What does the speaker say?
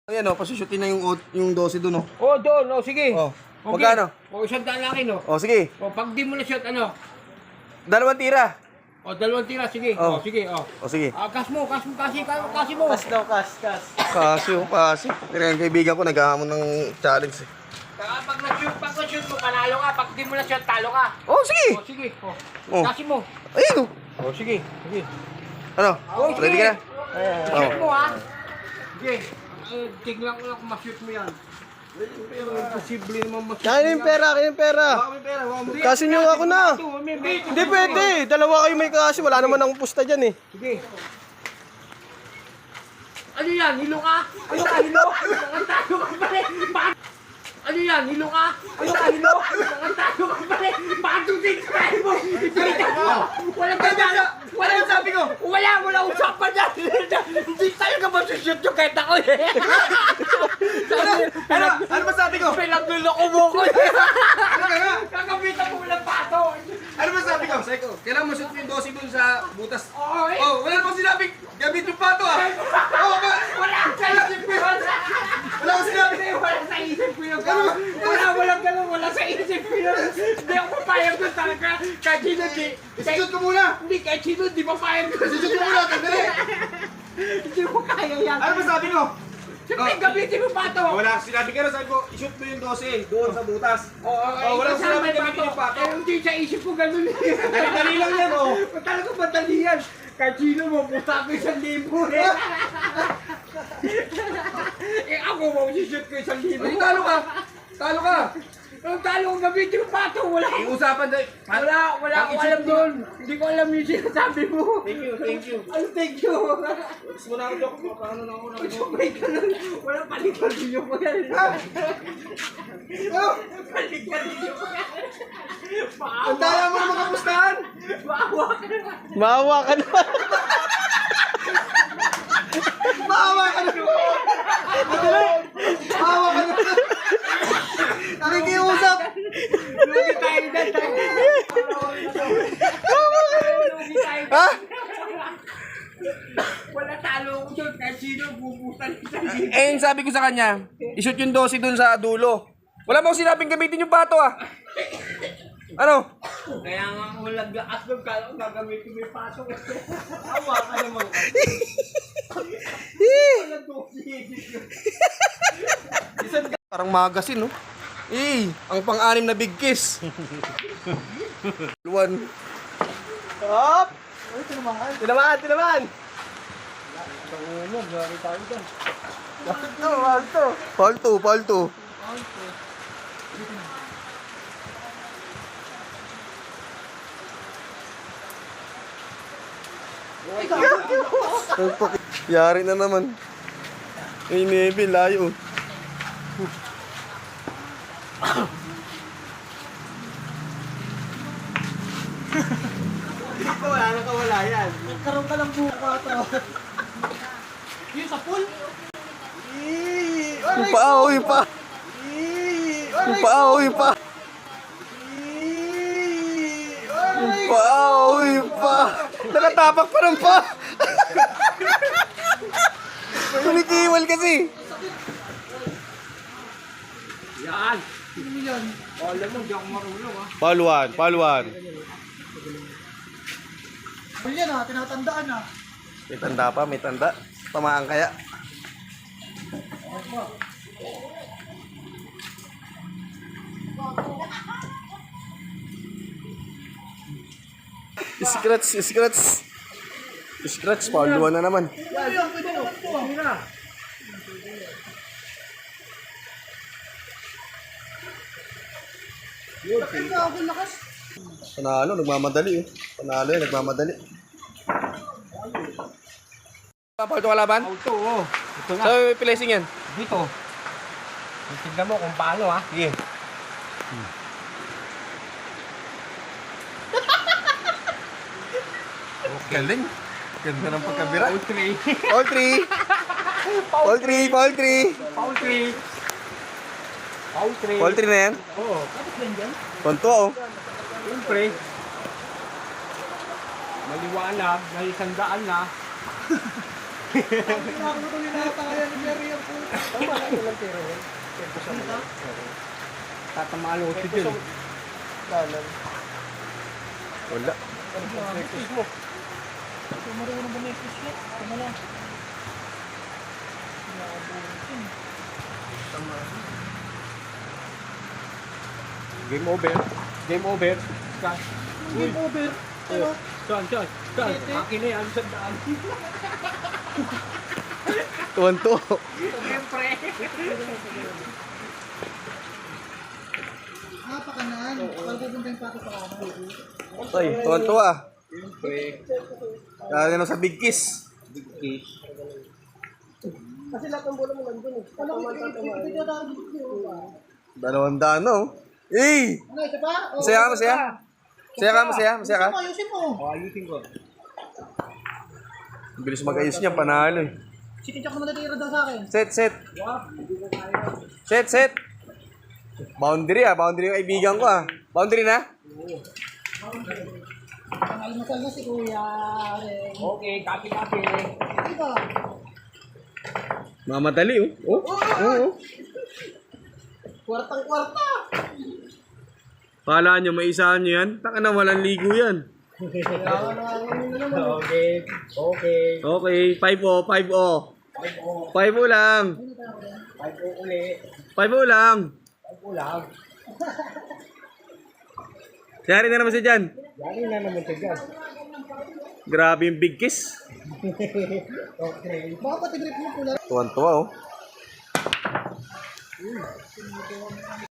Ayan o, pasushutin na yung 12 dun o. Oh, doon. Oh, sige. Oh. Okay. Magkano? O, isang daan lang akin, oh. O, sige. O, pag di mo na shot, ano? 2 tira. O, 2 tira, sige. Oh. O, sige, o. O, sige. Kas mo, kasi mo. Kasi. Pero yung kaibigan ko naghahamon ng challenge eh. Pag na-shoot mo, panalo ka. Pag di mo na shot, talo ka. Oh, sige. O, sige. O, Oh. kasi mo. Ayun o. O, sige. Sige. Ano? Oh, sige. Ready ka na? Shoot mo, ha? Sige. Tignan ko lang kung ma-shoot mo yan. Pero imposible naman ma-shoot Kaya yung pera, kaya yung pera. Kasi nyo ako na. Hindi pwede. Dalawa kayo may kasi. Wala naman akong pusta dyan eh. Sige. Ano yan? Hilo ka? Ano ka hilo? Nakantado ka pa rin. Ano yan? Hilo ka? Ano ka hilo? Nakantado ka pa rin. Patutin ka mo. Ipalitan mo. Walang ganda. Walang sabi ko. Wala usapan yan. Hindi tayo ka masushoot yung kahit ako eh. Ano ba sabi ko? Pinagluloko mo ko eh. Ano ka nga? Kakabitan mo walang pato. Ano ba sabi ko? Sabi ko, kailangan mo shoot yung 12 dun sa butas. Oo eh. Oh, wala pang sinabing gamit yung pato ah. Oh, ba? Wala sa isip ko yun. Wala pang sinabi. Wala sa isip ko yun. Walang ganun. Wala sa isip ko yun. Hindi ako papayag doon talaga. Kahit sino di. Shoot ko muna. Hindi, kahit sino di papayag doon. Shoot ko muna, tandali. Hindi ko kaya yan. Ano ba sabi ko? Siyempre, gamitin mo pa to. Wala, sinabi ka na, sabi ko, i-shoot mo yung 12 doon sa butas. Oo, walang kasama sinabi yung gamitin yung pato. Eh, hindi sa isip ko ganun eh. Dali lang yan, oh. Talaga madali yan. Kahit sino mo, puta ko 1,000 eh. Eh ako, mausishoot ko 1,000. Ay, talo ka. Talo ka. Ang talo kong gamitin mo pa to. Wala Iusapan dahil. Wala akong alam doon. Hindi ko alam yung sinasabi mo. Thank you, thank you. Ano, thank you. Gusto mo na ako, Dok? Paano na ako na ako? Wait ka lang. Wala palikadilyo ko yan. Palikadilyo ko yan. Ang daya mo na makapustahan. Maawa ka naman. Maawa ka naman. Maawa ka na. Maawa ka na. Nakikiusap. Lugi tayo dyan. Lugi tayo dyan. Ha? Wala talo ko doon. Kahit sino, bubusan sa libo. Eh, yung sabi ko sa kanya, i-shoot yung 12 dun sa dulo. Wala mo sinabing gamitin yung pato ah. Ano? Kaya nga ako laglakas doon. Kala ko gagamitin mo yung paso. Awa ka naman. Wala doon. Parang magasin, no? Ang pang-anim na big kiss. Luwan. Hop! Tinamaan! Paul 2. Yari na naman. Ay, Nebe, layo. Wala na kawala yan. Nagkaroon ka ng buka to. Yung sa pool? Yung paa, oh, yung paa. Yung paa, oh, yung paa. Yung paa, oh, yung paa. Nakatapak pa ng paa. Kumikiwal kasi. Yan. Ano yan? Alam mo, di ako marunong ha. Paluan. Pool yan ha, tinatandaan ha. May tanda pa, may tanda. Tamaan kaya. Scratch, paluan na naman. Panalo, nagmamadali eh. Panalo yan, nagmamadali. Papaw ito kalaban? Auto, oh. Ito na. So, placing yan? Dito. Tignan mo kung paano ha. Sige. Galing. Ganda ng pagkabira. Foul 3. Paul 3. Paul 3. Foul 3. Foul 3. Paul 3 na yan? Oo. Kapit yan dyan. Konto oh. Siyempre. Maliwanag. May 100 na. Tatamaan ako si Jun. Wala. Game over. Game over. Game over. Saan? Akin na yan. Sandaan. Tuwan-tuwa. Siyempre. Ay, tuwan-tuwa. Kaya na sa Big Kiss. Dalawang daan, no? Eh! Masaya ka, masaya? Masaya ka? Ayusin ko. Ang bilis mag-ayos niya, panalo eh. Sikichak mo natira daw sa akin. Set. Boundary yung kaibigan ko Boundary na? Almasal na si Kuya. Okay, copy. Mamadali oh. Kwartang-kwarta. Kala nyo, may isahan nyo yan? Taka na, walang ligo yan. Okay. Okay, 5-0. 5-0 lang. 5 ulit. 5-0 lang. 5 lang. Siyari na naman siya dyan. Yari na naman siya dyan. Grabe yung Big Kiss. Okay. Baka pati grip mo pula. Tuwan-tuwa oh.